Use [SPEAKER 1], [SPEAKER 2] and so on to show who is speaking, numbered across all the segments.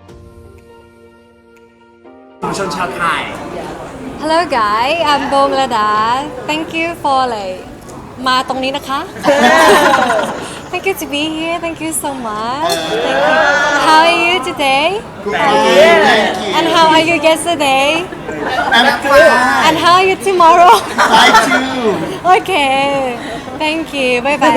[SPEAKER 1] ชนชาวไทย
[SPEAKER 2] Hello guys, I'm Bo Melada. Thank you for like มาตรงนี้นะคะ Thank you to be here. Thank you so much. Thank you. How are you today?
[SPEAKER 3] Thank you.
[SPEAKER 2] And how are you yesterday?
[SPEAKER 3] I'm fine.
[SPEAKER 2] And how are you tomorrow?
[SPEAKER 3] I too.
[SPEAKER 2] Okay. Thank you. Bye bye.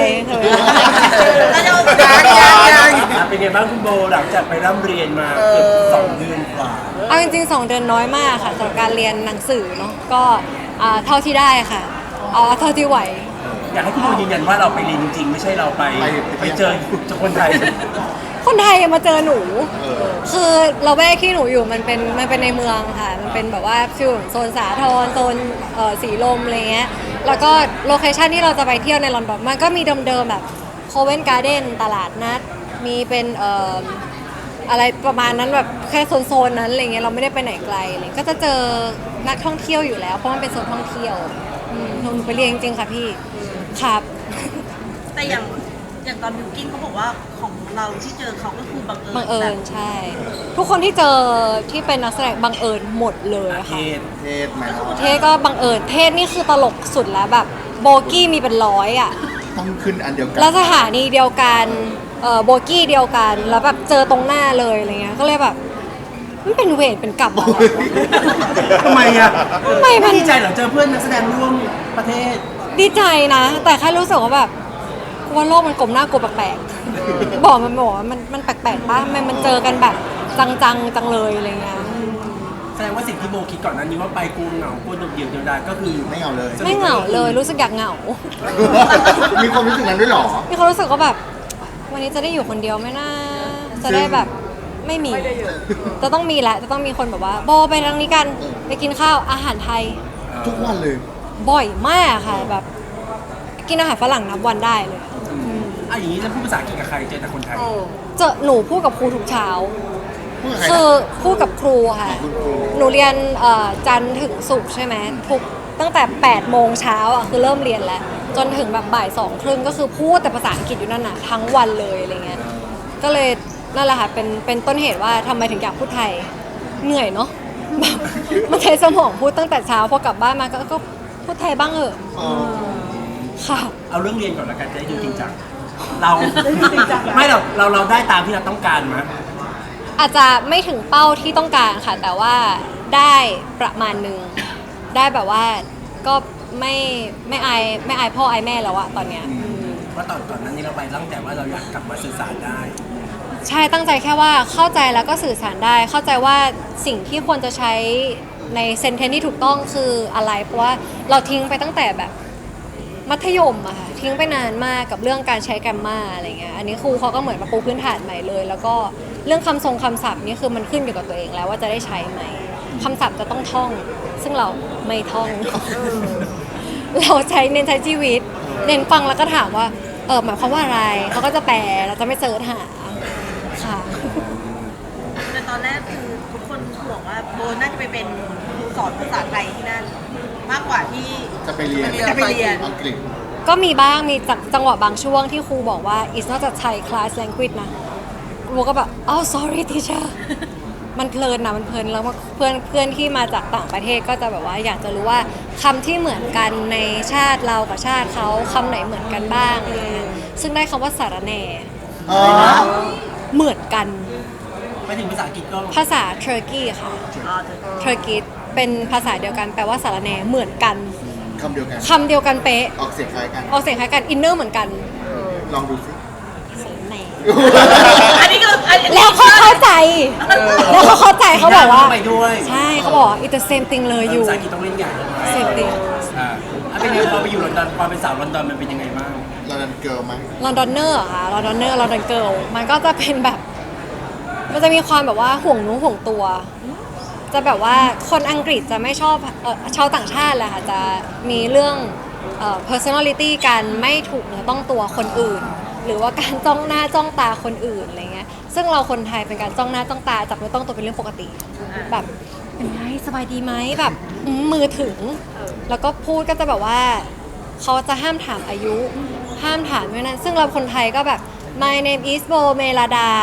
[SPEAKER 1] เป็นไงบ้างคุณโบหลังจากไปร่ำเรียนมาเกือบ2 เดือนกว่า
[SPEAKER 2] เอาจริงๆ2 เดือนน้อยมากค่ะสำหรับการเรียนหนังสือเนาะก็เท่าที่ได้ค่ะเอาเท่าที่ไหว
[SPEAKER 1] อยากให้คุณโบยืนยันว่าเราไปเรียนจริงๆไม่ใช่เราไปเจอคนไทย
[SPEAKER 2] คนไทยมาเจอหนู คือเราแวกที่หนูอยู่มันเป็นในเมืองค่ะ มันเป็นแบบว่าฟิวโซนสาทรโซนสีลมอะไรเงี้ย แล้วก็โลเคชันที่เราจะไปเที่ยวในลอนดอนมันก็มีเดิมๆแบบโคเวนการ์เด้นตลาดนัด มีเป็นอะไรประมาณนั้นแบบแค่โซนนั้นอะไรเงี้ยเราไม่ได้ไปไหนไกลเลยก็จะเจอนักท่องเที่ยวอยู่แล้วเพราะมันเป็นโซนท่องเที่ยวหนูไปเรียนจริงๆค่ะพี่ครับ
[SPEAKER 4] แต่อย่างตอนบิวกิ้นเขาบอกว่าของเราที่เจอเขาก็คือบังเอิญ
[SPEAKER 2] บังเอิญใช่ ทุกคนที่เจอที่เป็นนักแสดงบังเอิญหมดเลย
[SPEAKER 1] เท
[SPEAKER 2] ค่ะ
[SPEAKER 1] ศ
[SPEAKER 3] เทศไหมเนาะ
[SPEAKER 2] เทศก็บังเอิญเทศนี่คือตลกสุดแล้วแบบโบกี้มีเป็น100อ่ะ
[SPEAKER 3] ต้องขึ้นอันเดียวกัน
[SPEAKER 2] แล้วสถานีเดียวกันโบกี้เดียวกันแล้วแบบเจอตรงหน้าเลยอะไรเงี้ยก็เลยแบบมันเป็นเวรเป็นกรรมอะไรวะ
[SPEAKER 1] ทำไมอ่ะ
[SPEAKER 2] ทำไมมัน
[SPEAKER 1] ดีใจเหรอเจอเพื่อนนักแสดงร่วมประเทศ
[SPEAKER 2] ดีใจนะ แต่แค่รู้สึกว่าแบบว่าโลกมันกลมหน้ากลัวแปลกๆบอกว่ามันแปลกๆป่ะมันเจอกันแบบจังเลยอะไรเงี้ย
[SPEAKER 1] แสดงว่าสิ่งที่โบคิดก่อนหนั้นนี้ว่าไปกูเหงากูโดดเดี่ยวเดียวดายก็คือ
[SPEAKER 3] ไม่เอาเลย
[SPEAKER 2] ไม่เหงาเลยรู้สึกอยากเหงา
[SPEAKER 3] มีความรู้สึกนั้นด้วยเหรอ
[SPEAKER 2] มีความรู้สึกว่าแบบ วันนี้จะได้อยู่คนเดียวไหมนะจะได้แบบไม่มีจะต้องมีแหละจะต้องมีคนแบบว่าโบไปทางนี้กันไปกินข้าวอาหารไทย
[SPEAKER 3] ทุกวันเลย
[SPEAKER 2] บ่อยมากค่ะแบบ กินอาหารฝรั่งนับวันได้เลย
[SPEAKER 1] อย่างนี้จะพูดภาษาอังกฤษกับใครเจอแต่คนไทย
[SPEAKER 2] เจอหนูพูดกับครูทุกเช้า
[SPEAKER 3] พูดกับใคร
[SPEAKER 2] คือ
[SPEAKER 3] นะ
[SPEAKER 2] พูดกับครูค่ะ
[SPEAKER 3] คุณครู
[SPEAKER 2] หนูเรียนจันทร์ถึงศุกร์ใช่ไหมทุกตั้งแต่8 โมงเช้าอ่ะคือเริ่มเรียนแล้ว จนถึงแบบบ่าย 2 ครึ่งก็คือพูดแต่ภาษาอังกฤษอยู่นั่นน่ะทั้งวันเลยอะไรเงี้ยก็เลยนั่นแหละค่ะเป็นต้นเหตุว่าทำไมถึงอยากพูดไทยเหนื่อยเนาะแบบมันใช้สมองพูดตั้งแต่เช้าพอกลับบ้านมาก็พูดไทยบ้างเหอะ
[SPEAKER 3] อ๋อ
[SPEAKER 2] ค่ะ
[SPEAKER 1] เอาเรื่องเรียนก่อนละกันจะได้ดูจริงจังเราไม่เราได้ตามที่เราต้องการมั้ย
[SPEAKER 2] อาจจะไม่ถึงเป้าที่ต้องการค่ะ แต่ว่าได้ประมาณหนึ่งได้แบบว่าก็ไม่อายพ่ออายแม่แล้วอะตอนเนี้ย
[SPEAKER 1] ว่าตอนนั้นนี่เราไปตั้งแต่ว่าเราอยากกลับมาสื่อสารได้
[SPEAKER 2] ใช่ตั้งใจแค่ว่าเข้าใจแล้วก็สื่อสารได้ เข้าใจว่าสิ่งที่ควรจะใช้ในเซนเทนที่ถูกต้องคืออะไรเพราะว่าเราทิ้งไปตั้งแต่แบบมัธยมอะค่ะทิ้งไปนานมากกับเรื่องการใช้แกรมมาอะไรเงี้ยอันนี้ครูเขาก็เหมือนมาปูพื้นฐานใหม่เลย แล้วก็เรื่องคำทรงคำศัพท์นี่คือมันขึ้นอยู่กับตัวเองแล้วว่าจะได้ใช้ไหมคำศัพท์จะต้องท่อง ซึ่งเราไม่ท่อง เราเน้นใช้ชีวิต เน้นฟังแล้วก็ถามว่าหมายความว่าอะไรเขาก็จะแปลเราจะไม่เสิร์ชหาค่ะ
[SPEAKER 4] แต่ตอนแรกคือทุกคนห่วงว่าโบน่าจะไปเป็นครูสอนภาษาไทยที่นั่น มากกว่าที่
[SPEAKER 3] จะไปเรียน
[SPEAKER 4] จะไปเรียน
[SPEAKER 3] อังกฤษ
[SPEAKER 2] ก็มีบ้างมีจังหวะบางช่วงที่ครูบอกว่า it's not a Thai class language นะครูก็แบบoh sorry teacher มันเพลินนะมันเพลินแล้วเพื่อนที่มาจากต่างประเทศก็จะแบบว่าอยากจะรู้ว่าคำที่เหมือนกันในชาติเรากับชาติเขาคำไหนเหมือนกันบ้างอะไรเงี้ยซึ่งได้คำว่าสารแหน่
[SPEAKER 3] อ๋อ
[SPEAKER 2] เหมือนกัน
[SPEAKER 1] ไปถึงภาษาอังกฤษก็
[SPEAKER 2] ภาษาเทอร์กีค่ะเทอร์กีเป็นภาษาเดียวกันแปลว่าสารแหน่เหมือนกัน
[SPEAKER 3] คำเดียวกัน
[SPEAKER 2] คำเดียวกันเป๊ะ
[SPEAKER 3] ออกเสียงคล้ายกัน
[SPEAKER 2] ออกเสียงคล้ายกันอินเนอร์เหมือนกัน
[SPEAKER 3] ลองดูสิ
[SPEAKER 2] สารแหน่
[SPEAKER 4] อันนี้ก็อันนี้
[SPEAKER 2] แล้วเขาเข้าใจ แล้วเขาเข้าใจเขาบอกว่า
[SPEAKER 1] ไปด้วย
[SPEAKER 2] ใช่เขาบอกว่า it's the same thing เลยอยู่
[SPEAKER 1] ภาษาอังกฤษต้องเล่นใหญ่เลย
[SPEAKER 2] same thing
[SPEAKER 1] เป็นไงพอไปอยู่ลอนดอนความเป็นสาวลอนดอนมันเป็นยังไงบ้าง
[SPEAKER 3] เราดันเกิร์ลไหม
[SPEAKER 2] ลอนดอนเนอร์ค่ะลอนดอนเนอร์ลอนดอนเกิลมันก็จะเป็นแบบ มันจะมีความแบบว่าห่วงหนูห่วงตัว จะแบบว่าคนอังกฤษจะไม่ชอบชาวต่างชาติแหละค่ะจะมีเรื่องpersonality การไม่ถูกเนื้อต้องตัวคนอื่น หรือว่าการจ้องหน้าจ้องตาคนอื่นอะไรเงี้ยซึ่งเราคนไทยเป็นการจ้องหน้าจ้องตาจับเนื้อต้องตัวเป็นเรื่องปกติ แบบเป็นไงสบายดีไหมแบบมือถึง แล้วก็พูดก็จะแบบว่าเขาจะห้ามถามอายุ ห้ามถามด้วยนั้นซึ่งเราคนไทยก็แบบ my name is Bo Melada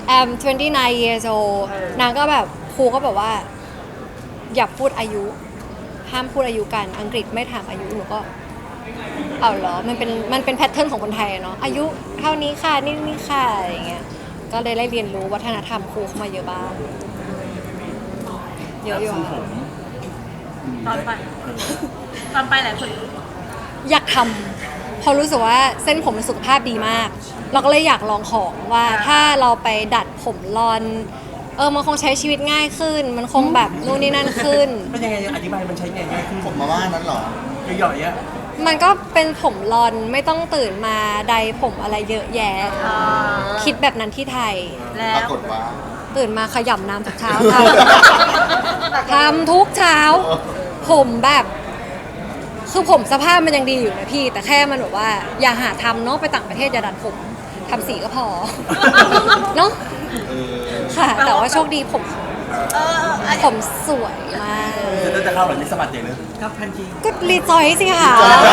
[SPEAKER 2] I'm 29 years old นางก็แบบครูก็แบบว่าอย่าพูดอายุห้ามพูดอายุกันอังกฤษไม่ถามอายุหนูก็เอาเหรอมันเป็นแพทเทิร์นของคนไทยเนาะอายุเท่านี้ค่ะนี่ค่ะอะไรอย่างเงี้ยก็เลยได้เรียนรู้วัฒนธรรมครูเข้ามาเยอะบ้างเยอะอยู่
[SPEAKER 1] ทรงผม
[SPEAKER 4] ตอนไปตอนไปหลายคน
[SPEAKER 2] อยากทำเพราะรู้สึกว่าเส้นผมมันสุขภาพดีมาก เราก็เลยอยากลองของว่าถ้าเราไปดัดผมรอนมันคงใช้ชีวิตง่ายขึ้น มันคงแบบนู่นนี่นั่นขึ้น
[SPEAKER 1] เป็นยังไงอธิบายมันใช้ไงง่ายขึ้น
[SPEAKER 3] ผมมาว่านั้นเหรอ
[SPEAKER 1] หย่อยๆอ่ะ
[SPEAKER 2] มันก็เป็นผมรอนไม่ต้องตื่นมาใดผมอะไรเยอะแยะ คิดแบบนั้นที่ไทย
[SPEAKER 4] แล้
[SPEAKER 3] ปราว กฏว่า
[SPEAKER 2] ตื่นมาขยำน้ำทุกเช้าทำทุกเช้า ผมแบบคือผมสภาพมันยังดีอยู่นะพี่ แต่แค่มันแบบว่าอย่าหาทำเนาะไปต่างประเทศอย่าดัดผมทำสีก็พอ เนาะ
[SPEAKER 3] เออ
[SPEAKER 2] ค่ะ แต่ว่าโชคดีผม
[SPEAKER 4] เออ
[SPEAKER 2] ผมสวยมาก
[SPEAKER 1] จะเข้าแบบนี้สะบัดอย่างเลยครับพันที
[SPEAKER 2] ก็รีจอยสิค่ะ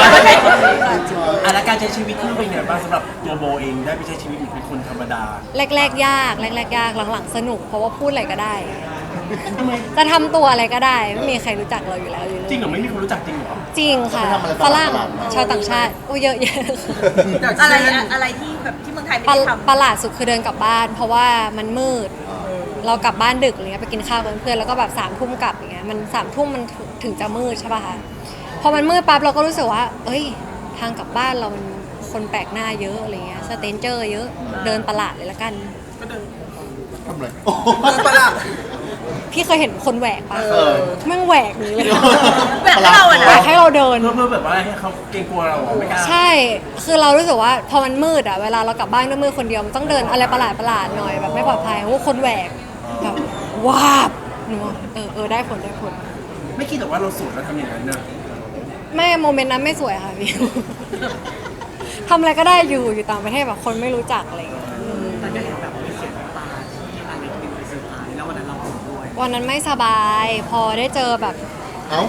[SPEAKER 1] แล้วการใช้ชีวิตที่เป็นไงบ้างสำหรับตัวโบเองได้ไปใช้ชีวิตเหมือนเป็นคนธรรมดา
[SPEAKER 2] แรกๆยากหลังๆสนุกเพราะว่าพูดอะไรก็ได้ จะทำตัวอะไรก็ได้ ไม่มีใครรู้จักเราอยู่แล้ว
[SPEAKER 1] จริงเหรอไม่มีคนรู้จักจริงเหรอ
[SPEAKER 2] จริงค่ะฝรั่งชาวต่างชาติโอ้เยอะแยะ
[SPEAKER 4] อะไรที่แบบที่เมืองไทยไม่
[SPEAKER 2] ประ
[SPEAKER 4] ได้ทำ
[SPEAKER 2] ประหลาดสุดคือเดินกลับบ้าน เพราะว่ามันมืด เรากลับบ้านดึกอะไรเงี้ยไปกินข้าวกับเพื่อนแล้วก็แบบ3 ทุ่มกลับอย่างเงี้ยมัน3 ทุ่มมันถึงจะมืดใช่ป่ะคะพอมันมืดปั๊บเราก็รู้สึกว่า เอ้ยทางกลับบ้านเรามันคนแปลกหน้าเยอะอะไรเงี้ยสเตนเจอร์เยอะเดินประหลาดเลยละกัน
[SPEAKER 3] ทำไร
[SPEAKER 1] ประหลาด
[SPEAKER 2] พี่เคยเห็นคนแหวกปะ
[SPEAKER 3] เออ
[SPEAKER 2] แม่งแหวกนี้เลย
[SPEAKER 4] แบบให้เราอะ
[SPEAKER 2] แหว
[SPEAKER 4] นะ
[SPEAKER 2] กให้เราเดิน
[SPEAKER 1] เพื่อแบบว่าให้เขาเกรงกลัวเราไม่กล้า
[SPEAKER 2] ใช่ คือเรารู้สึกว่าพอมันมืดอะเวลาเรากลับบ้านด้วยมืดคนเดียวมันต้องเดินอะไรประหลาดหน่อยแบบไม่ปลอดภัยโอ้คนแหวกแบบว้าบหนูว่าได้ผล
[SPEAKER 1] ไม่คิดหรอกว่าเราสวยแล้วทำอย่างนั้นเนอะ
[SPEAKER 2] แม่โมเมนต์นั้นไม่สวยค่ะพี่ ทำอะไรก็ได้อยู่ต่างประเทศแบบคนไม่รู้จักอะไรอย่างเงี้ย
[SPEAKER 5] แต่ก็เห็นแบบมีเสียงน้ำตาที่อันเล็กเป็นไปเซอร์ไพรส์แล้ววันนั้นเราผมด้วย
[SPEAKER 2] วันนั้นไม่สบาย พอได้เจอแบบ
[SPEAKER 3] เอ้า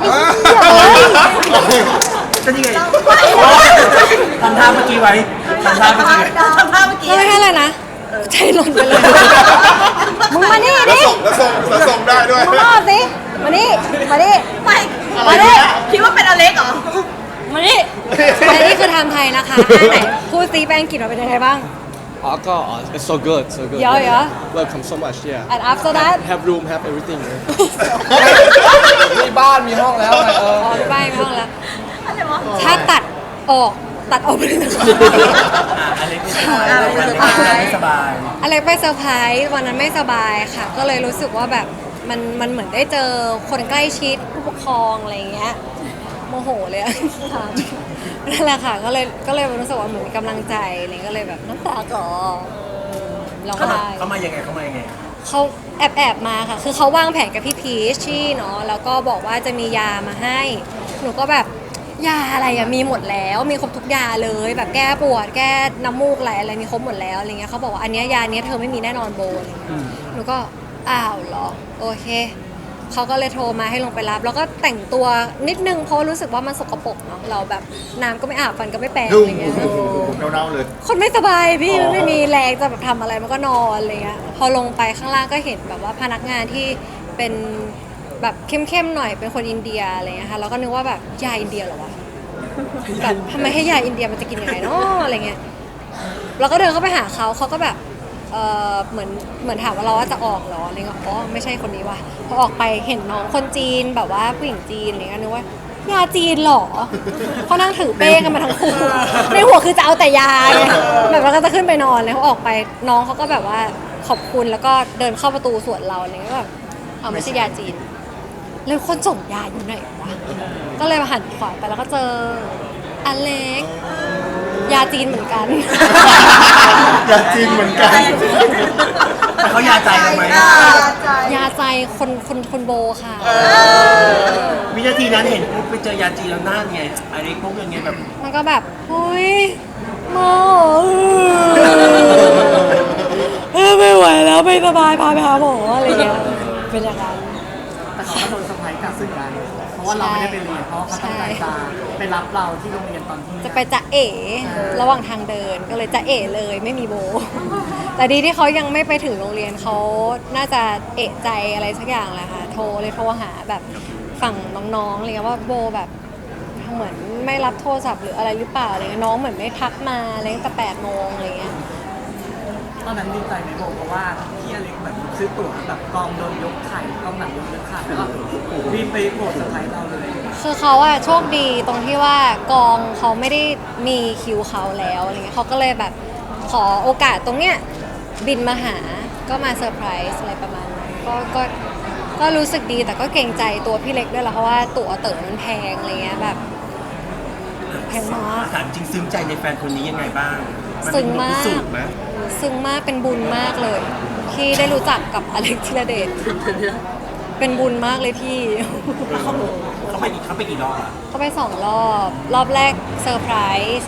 [SPEAKER 1] ก็นี่ไงทำท่าเมื่อกี้ไว้ทำท่าเมื่อกี้ไว้
[SPEAKER 4] ทำภาพเมื่อกี้
[SPEAKER 2] ก็ไม่ให้เลยนะใจหล่นไปเลย มึงมานี่
[SPEAKER 3] แล้ว
[SPEAKER 2] ดิ
[SPEAKER 3] ส่งได้ด้วย
[SPEAKER 2] มึงมาสิมานี่
[SPEAKER 4] ไม่
[SPEAKER 2] มาดิ
[SPEAKER 4] คิดว่าเป็นอเล็กเหรอ
[SPEAKER 2] มานี่และนี่คือไทม์ไทยนะคะไหนพูดซีแปลงกิจมาเป็นยังไงบ้าง
[SPEAKER 6] It's so good, so good.
[SPEAKER 2] Yeah.
[SPEAKER 6] Welcome so much, yeah.
[SPEAKER 2] and after that
[SPEAKER 6] Have room, have everything. มีบ้าน มีห้องแล้วไง
[SPEAKER 2] อ๋อไปบ้านไม่ห้องแล้ว
[SPEAKER 4] อะไรวะ
[SPEAKER 2] ถ้าตัดออกไปเลยนะคะ
[SPEAKER 1] อะไรไม่สบาย
[SPEAKER 2] อะไรไปเซอร์ไพรส์วันนั้นไม่สบายค่ะ ก็เลยรู้สึกว่าแบบมันเหมือนได้เจอคนใกล้ชิดผู้ปกครองอะไรอย่างเงี้ยโมโหเลยอะนั่นแหละค่ะก็เลยรู้สึกว่าเหมือนมีกำลังใจอะไรก็เลยแบบน้ำตาก่อร้องไห้
[SPEAKER 1] เขามายังไง
[SPEAKER 2] เขาแอบมาค่ะ คือเขาวางแผนกับพี่พีชชี่เนาะแล้วก็บอกว่าจะมียามาให้ หนูก็แบบยาอะไรอะมีหมดแล้วมีครบทุกยาเลยแบบแก้ปวดแก้น้ำมูกอะไรมีครบหมดแล้วอะไรเงี้ยเขาบอกว่าอันเนี้ยยาเนี้ยเธอไม่มีแน่นอนโบอะไรเงี้ยหนูก็อ้าวเหรอโอเคเขาก็เลยโทรมาให้ลงไปรับ แล้วก็แต่งตัวนิดนึงเพราะรู้สึกว่ามันสกปรกเนาะเราแบบน้ำก็ไม่อาบฟันก็ไม่แปรง
[SPEAKER 3] ดุ้
[SPEAKER 2] อะ
[SPEAKER 3] ง
[SPEAKER 2] ไรเงี้ย
[SPEAKER 3] เน่าๆเลย
[SPEAKER 2] คนไม่สบายพี่มันไม่มีแรงจะแบบทำอะไรมันก็นอนอะไรเงี้ยพอลงไปข้างล่างก็เห็นแบบว่าพนักงานที่เป็นแบบเข้มๆหน่อยเป็นคนอินเดียอะไรเงี้ยค่ะเราก็นึกว่าแบบยาอินเดียเหรอวะแบบทำไมให้ยาอินเดียมันจะกินยังไงเนาะอะไรเงี้ยเราก็เดินเข้าไปหาเขาก็แบบเหมือนถามว่าเราว่าจะออกเหรออะไรเงี้ยอ๋อไม่ใช่คนนี้ว่ะพอออกไปเห็นน้องคนจีนแบบว่าผู้หญิงจีนอะไรเงี้ยนึกว่ายาจีนเหรอเขานั่งถือเป้กันมาทั้งคู่ในหัวคือจะเอาแต่ยาไงแบบเราก็จะขึ้นไปนอนเลยเขาออกไปน้องเขาก็แบบว่าขอบคุณแล้วก็เดินเข้าประตูสวนเราอะไรเงี้ยก็แบบเอาไม่ใช่ยาจีนแล้วคนส่งยาอยู่ไหนวะก็เลยมาหันขวาไปแล้วก็เจออเล็กยาจีนเหมือนกัน
[SPEAKER 3] อยากจริงเหมือนกัน
[SPEAKER 1] แต่เขายาใจเราไหม
[SPEAKER 2] ยาใจคนโบค่ะ
[SPEAKER 1] วินาทีนั้นเห็นปุ๊บไปเจอยาจีนแล้วหน้าไงอะไรปุ๊บยังไงแบบ
[SPEAKER 2] มันก็แบบเฮ้ยหมอไม่ไหวแล้วไม่สบายพาไปหาหมออะไรเงี้ยเป็นอย่างนั้น
[SPEAKER 5] แต่เขาก็โดนเซอร์ไพรส์กลับสึกกันเพราะว่าเราไม่ได้ไปเรียนเพราะว่าเขาตั้งใจจะไปรับเราที่โรงเรียนตอนที่
[SPEAKER 2] จะไปจะเอ๋ระหว่างทางเดินก็เลยจะเอ๋เลยไม่มีโบแต่ดีที่เขายังไม่ไปถึงโรงเรียนเขาน่าจะเอะใจอะไรสักอย่างแหละค่ะโทรหาแบบฝั่งน้องๆอะไรเงี้ยว่าโบแบบเหมือนไม่รับโทรศัพท์หรืออะไรหรือเปล่าอะไรเงี้ยน้องเหมือนไม่ทักมาอะไรตั้งแต่8 โมงอะไรเงี้ย
[SPEAKER 5] ตอนนั้นดีใจไหมโบเพราะว่าพี่อเล็กแบบซื้อตั๋วแบบกองโดนยกไข่กองหนังโดนยกไข่แล้วก็บินไปโบสถ์เซอร์ไพรส์เราเลย
[SPEAKER 2] คือเขาอะโชคดีตรงที่ว่ากองเขาไม่ได้มีคิวเขาแล้วอะไรเงี้ยเขาก็เลยแบบขอโอกาสตรงเนี้ยบินมาหาก็มาเซอร์ไพรส์อะไรประมาณนั้นก็รู้สึกดีแต่ก็เกรงใจตัวพี่เล็กด้วยละเพราะว่าตั๋วเต๋อมันแพงอะไรเงี้ยแบบแพงมาก
[SPEAKER 1] ถามจริงซึ้งใจในแฟนคนนี้ยังไงบ้างน
[SPEAKER 2] ซึ้
[SPEAKER 1] เป็น
[SPEAKER 2] ง
[SPEAKER 1] บท
[SPEAKER 2] มา
[SPEAKER 1] พิสู
[SPEAKER 2] ก
[SPEAKER 1] จน์ไหม
[SPEAKER 2] ซึ้งมากเป็นบุญมากเลย ที่ได้รู้จักกับอเล็กธีรเดชเป็นบุญมากเลยพี่
[SPEAKER 1] เขาไปกี่รอบอะ
[SPEAKER 2] เขาไป2 รอบแรกเซอร์ไพรส์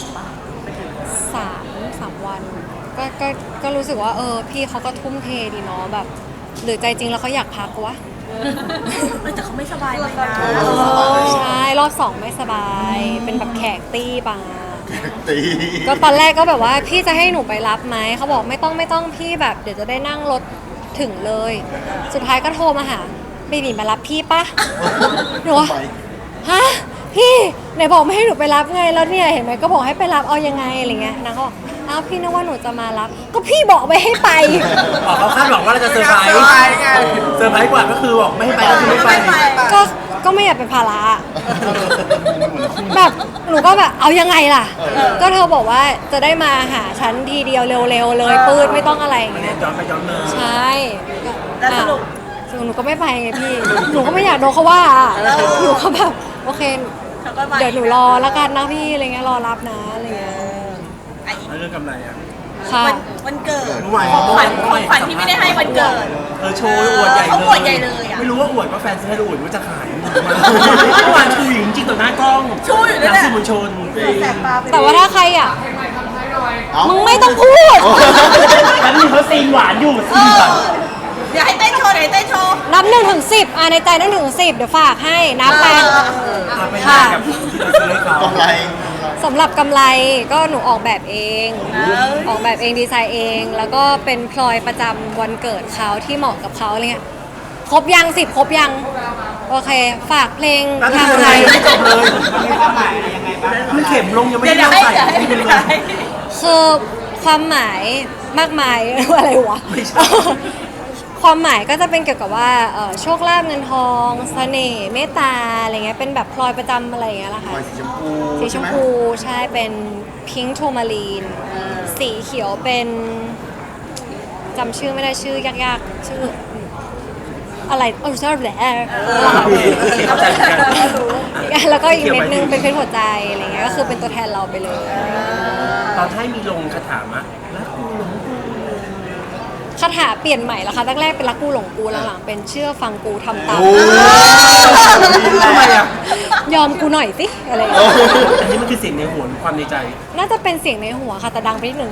[SPEAKER 2] สามวันก็รู้สึกว่าพี่เขาก็ทุ่มเทดีเนาะแบบหรือใจจริงแล้วเขาอยากพักวะ
[SPEAKER 4] แต่เขาไม่สบายเลยนะ
[SPEAKER 2] ใช่รอบ 2ไม่สบาย เป็นแบบแขกตี้ปา
[SPEAKER 3] ตี
[SPEAKER 2] ก็ตอนแรกก็แบบว่าพี่จะให้หนูไปรับไหมเขาบอกไม่ต้องพี่แบบเดี๋ยวจะได้นั่งรถถึงเลย สุดท้ายก็โทรมาหาเบบีมารับพี่ปะหนูว่า
[SPEAKER 3] ไป
[SPEAKER 2] ฮะพี่ไหนบอกไม่ให้หนูไปรับไงแล้วเนี่ยเห็นไหมก็บอกให้ไปรับเอายังไงอะไรเงี้ยนางก็บอกอ้าวพี่นึกว่าหนูจะมารับ ก็พี่บอกไม่ให้ไป
[SPEAKER 1] เขาคาดหวังว่าเราจะเซอร์ไพรส์เซอร์ไพรส์กว่าก็คือบอกไม่ให้ไปก็คือไม่ไป
[SPEAKER 2] ก็ไม่อยากเป็นภาระแบบหนูก็แบบเอายังไงล่ะ ก็เธอบอกว่าจะได้มาหาฉันทีเดียวเร็วๆเลยปืดไม่ต้องอะไรอย่างเงี้ย
[SPEAKER 1] ย้อนไปย้อนมา
[SPEAKER 2] ใช่
[SPEAKER 4] แล้วสรุป
[SPEAKER 2] อ่ะหนูก็ไม่ไปไงพี่ หนูก็ไม่อยากโดนเขาว่าอ่ะหนูก็แบบโอเค
[SPEAKER 4] เขาก็มา
[SPEAKER 2] เดี๋ยวหนูรอแล้วกันนะพี่อะไรเงี้ยรอรับนะอะไรเงี้ย
[SPEAKER 4] ไอ้อีก
[SPEAKER 1] แล้วเรื่องกำไรอะ
[SPEAKER 2] ค่ะ
[SPEAKER 4] วันเกิด
[SPEAKER 1] เมื่อวาน
[SPEAKER 4] ของขวัญที่ไม่ได้ให้วันเกิด
[SPEAKER 1] โชว์อวดใหญ่
[SPEAKER 4] เขา
[SPEAKER 1] เลย
[SPEAKER 4] อวดใหญ่เลยอะ
[SPEAKER 1] ไม่รู้ว่าอวดว่าแฟนซื้อให้หรืออวดว่าจะขายเมื่อวานชูอยู่จริงๆต่อหน้ากล้อง
[SPEAKER 4] ชูอยู่
[SPEAKER 1] ห
[SPEAKER 4] นั่
[SPEAKER 1] นั
[SPEAKER 4] นแหละ
[SPEAKER 1] สื่อมวลชน
[SPEAKER 4] แสบตาไป
[SPEAKER 2] แต่ว่าถ้าใครอ่ะ
[SPEAKER 3] เอ้า
[SPEAKER 2] มึงไม่ต้องพูด
[SPEAKER 1] แล้วนี่เขาซีนหวานอยู่
[SPEAKER 4] เอ
[SPEAKER 1] ซีนแบบ
[SPEAKER 4] อเดี๋ยวให้เต้นโชว์เดี๋ยวให้เต้นโชว์
[SPEAKER 2] นับ1 ถึง 10ในใจนับ1 ถึง 10เดี๋ยวฝากให้นับไป
[SPEAKER 1] เอาไปให้กับที่เราซื้อให้เขา
[SPEAKER 3] กำไร
[SPEAKER 2] สำหรับกำไรก็หนูออกแบบเอง ออกแบบเองดีไซน์เอง แล้วก็เป็นพลอยประจำวันเกิดเขาที่เหมาะกับเขาอะไรเงี้ยครบยัง10ครบยังโอเค ฝากเพลง
[SPEAKER 1] แล้ว
[SPEAKER 2] ทาง
[SPEAKER 1] คือ
[SPEAKER 2] ไท
[SPEAKER 1] อะไร
[SPEAKER 2] ย
[SPEAKER 1] ไม่จบเลยคือเข็มลงยังไม่
[SPEAKER 4] เดี๋ยว
[SPEAKER 1] ได้
[SPEAKER 4] เดี๋ยว
[SPEAKER 1] ใส่
[SPEAKER 4] ให้
[SPEAKER 1] ที่
[SPEAKER 4] เดี๋
[SPEAKER 1] เป็
[SPEAKER 4] ย
[SPEAKER 1] น
[SPEAKER 4] ว
[SPEAKER 1] เลย
[SPEAKER 4] ให้
[SPEAKER 2] คือความหมายมากมาย อะไรวะ
[SPEAKER 1] ไม่ใช่
[SPEAKER 2] ความหมายก็จะเป็นเกี่ยวกับว่าโชคลาภเงินทองเสน่ห์เมตตาอะไรเงี้ยเป็นแบบพลอยประจำอะไรอย่างเงี้ยแหละ
[SPEAKER 3] ป
[SPEAKER 2] ค่ะ
[SPEAKER 3] ล่อยสีชมพู
[SPEAKER 2] สีช
[SPEAKER 3] ใช่
[SPEAKER 2] ม
[SPEAKER 3] ไหม
[SPEAKER 2] พูใช่เป็นพิงค์โทมารีนสีเขียวเป็นจำชื่อไม่ได้ชื่อยากๆ ชื่ออะไรชื่อแหละ
[SPEAKER 1] โอเคเข้าใจเหมือนกัน
[SPEAKER 2] แล้วก็อีกเม็ดนึงเป็นเพชรหัวใจอะไรเงี้ยก็คือเป็นตัวแทนเราไปเลย
[SPEAKER 1] ตอนให้มีลงคาถามะรักกูหลงกู
[SPEAKER 2] คาถาเปลี่ยนใหม่แล้วค่ะแรกๆเป็นรักกูหลงกูหลังๆเป็นเชื่อฟังกูทำตาม
[SPEAKER 3] โอ้
[SPEAKER 1] ทำไมอ่ะ
[SPEAKER 2] ยอมกูหน่อยสิอะไรอย่างเงี้ย
[SPEAKER 1] อันนี้มันคือเสียงในหัวหรือความในใจ
[SPEAKER 2] น่าจะเป็นเสียงในหัวค่ะแต่ดังไปนิดนึง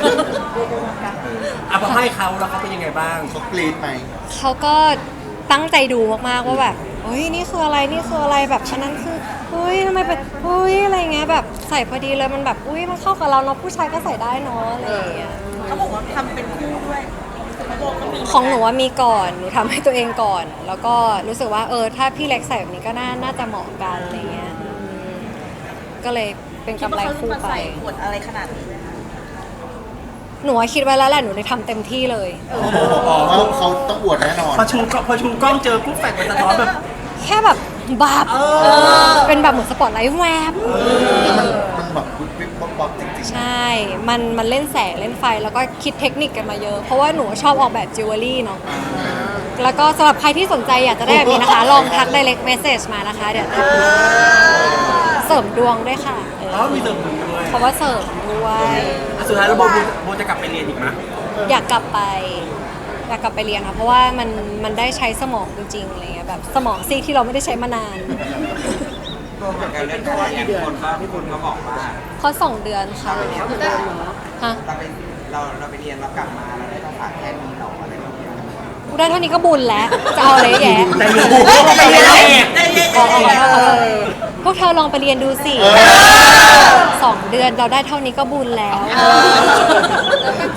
[SPEAKER 1] อ่ะพอให้เขาแล้วเขาเป็นยังไงบ้าง
[SPEAKER 3] เขากรีดไหม
[SPEAKER 2] เขาก็ตั้งใจดูมากๆว่าแบบเฮ้ยนี่คืออะไรนี่คืออะไรแบบอันนั้นคือเฮ้ยทำไมเป็นเฮ้ยอะไรเงี้ยแบบใส่พอดีเลยมันแบบอุ้ยมันเข้ากับเราเนาะผู้ชายก็ใส่ได้เนาะอะไรอย่างเงี้ย
[SPEAKER 4] เขาบอกว่าทำเป็นคู่ด้วยเขาบอกก็มี
[SPEAKER 2] ของหนูว่ามีก่อนหนูทำให้ตัวเองก่อน แล้วก็รู้สึกว่าถ้าพี่เล็กใส่แบบนี้ก็น่าจะเหมาะกันอะไรเงี้ยก็เลยเป็น
[SPEAKER 4] คิด
[SPEAKER 2] กำ
[SPEAKER 4] ว่า
[SPEAKER 2] ไร
[SPEAKER 4] เขา
[SPEAKER 2] คู่
[SPEAKER 4] มา
[SPEAKER 2] ไป
[SPEAKER 4] ใส่ขวดอะไรขนาดนี้ไหมคะ
[SPEAKER 2] หนูว่าคิดไว้แล้วแหละหนูเลยทำเต็มที่เลย
[SPEAKER 3] เขาต้องอวดแน่นอน
[SPEAKER 1] พอชูกล้องเจอปุ๊บแฟนมันสะท้อนแบบ
[SPEAKER 2] แค่แบบบาบเป็นแบบเหมือนสปอตไลท์แวบ
[SPEAKER 3] แล้วมันแบบปุ๊บปิ๊บป๊บป๊บจริง
[SPEAKER 2] ใช่ มันเล่นแสงเล่นไฟแล้วก็คิดเทคนิคกันมาเยอะ เพราะว่าหนูชอบออกแบบจิวเวลรี่เนาะ แล้วก็สำหรับใครที่สนใจอยากจะได้แบบนี้นะคะ ลองทัก direct message มานะคะ เดี๋ยวเสริมดวงด้วยค่ะ
[SPEAKER 1] อ๋อมีเสริมดวงด้วย
[SPEAKER 2] เพราะว่าเสริมด้วย
[SPEAKER 1] อ่ะสุดท้ายแล้วโบจะกลับไปเรียนอีกไหม
[SPEAKER 2] อยากกลับไปเรียนค่ะ เพราะว่ามันได้ใช้สมองจริงๆอะไรเงี้ยแบบสมองซีกที่เราไม่ได้ใช้มานาน
[SPEAKER 7] รวมกับการเล่นเพราะว่าอย่างคนก็พี่คุณก็บอกว่า
[SPEAKER 2] เพราะ2 เดือนค่ะฮะ
[SPEAKER 7] เราไปเรียนเรากลับมาเราได้ภาษาแค่นี้หรออะไรแบบนี้
[SPEAKER 2] กูได้เท่านี้ก็บุญแล้ว จะเอาอะไรแย่
[SPEAKER 1] แต่เรียนไปเรียนเอง
[SPEAKER 2] พวกเธอลองไปเรียนดูสิ2 เดือนเราได้เท่านี้ก็บุญแล้ว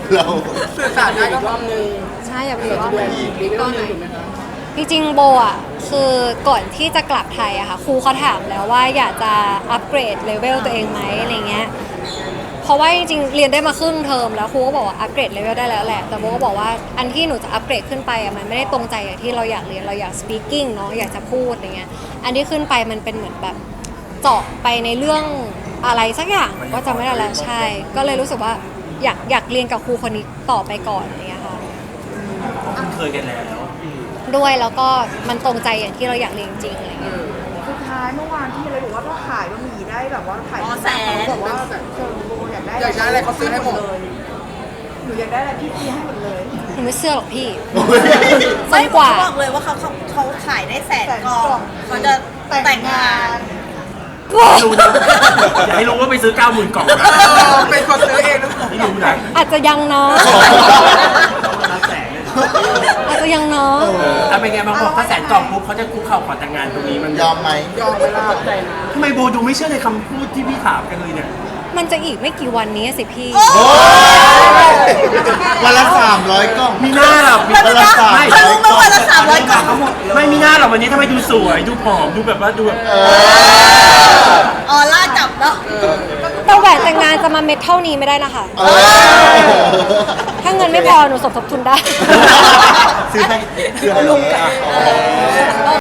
[SPEAKER 3] เรา
[SPEAKER 5] สื่อสารได้ก็รอบนึง
[SPEAKER 2] ใช่อย่าไปว่า
[SPEAKER 6] อีกรอบหนึงถูกไหมคะ
[SPEAKER 2] จริงๆโบอ่ะคือก่อนที่จะกลับไทยอะค่ะครูเขาถามแล้วว่าอยากจะอัปเกรดเลเวลตัวเองไหมอะไรเงี้ยเพราะว่าจริงๆเรียนได้มาครึ่งเทอมแล้วครูก็บอกว่าอัปเกรดเลเวลได้แล้วแหละแต่โบก็บอกว่าอันที่หนูจะอัปเกรดขึ้นไปอะมันไม่ได้ตรงใจอย่างที่เราอยากเรียนเราอยาก speaking เนาะอยากจะพูดอะไรเงี้ยอันที่ขึ้นไปมันเป็นเหมือนแบบเจาะไปในเรื่องอะไรสักอย่างก็จำไม่ได้แล้วใช่ ก็เลยรู้สึกว่าอยากเรียนกับครูคนนี้ต่อไปก่อนอะไรเงี้ยค่ะ
[SPEAKER 1] คุ้นเคยกันแล้ว
[SPEAKER 2] ด้วยแล้วก็มันตรงใจอย่างที่เราอยากเรียนจริงอะไรเงี้ย
[SPEAKER 8] สุดท้ายเมื่อวานที่เลยบอกว่าถ้าขายบะหมี่ได้แบบว่าขาย
[SPEAKER 4] แสน
[SPEAKER 8] เขาบอกว่าแบบเชิญโบอยากได้
[SPEAKER 5] อยากได้อะไรเขาซื้อให้หมด
[SPEAKER 8] เลยหนูอยากได้อะไรพี่ซื้อให้หมดเลย
[SPEAKER 2] หนูไม่เชื่อหรอกพี่
[SPEAKER 4] ไม่
[SPEAKER 2] จนกว่า
[SPEAKER 4] เขาบอกเลยว่าเขาขายได้แสนกล่องเขาจะแต่งงาน
[SPEAKER 1] ไม่รู้นะอย่าให้รู้ว่าไปซื้อ 90,000 กล่องนะ
[SPEAKER 5] เป็นคนซื้อเองหรือเปล่า
[SPEAKER 1] ไม่รู้นะ
[SPEAKER 2] อาจจะยังเนาะ
[SPEAKER 1] รับแสนเลย
[SPEAKER 2] อาจจะยังเนาะ
[SPEAKER 1] ถ้าเป็นไงบางบอกถ้า100,000 กล่องปุ๊บเขาจะคุกเข่าขอแต่งงานตรงนี้มัน
[SPEAKER 3] ยอมไหม
[SPEAKER 5] ยอมเวลา
[SPEAKER 1] ทำไมโบดูไม่เชื่อในคำพูดที่พี่ถามกันเลยเนี่ย
[SPEAKER 2] มันจะอีกไม่กี่วันนี้สิพี่
[SPEAKER 3] โอ้ยวันละ300กล่อง
[SPEAKER 1] มีหน้าหรอ
[SPEAKER 3] วันละ300
[SPEAKER 4] เขารู้ไหมวันละ300กล่อง
[SPEAKER 1] ไม่มีหน้าหรอกวันนี้ทำไมดูสวยดูผอมดูแบบว่าดูแบบ
[SPEAKER 4] ออร่าจับเนาะ
[SPEAKER 2] แต่แหวนแต่งงานจะมาเม็ดเท่านี้ไม่ได้นะคะ ถ้าเงินไม่พอหนูสมทบทุนได้
[SPEAKER 3] ซื้อให้ลุงกัน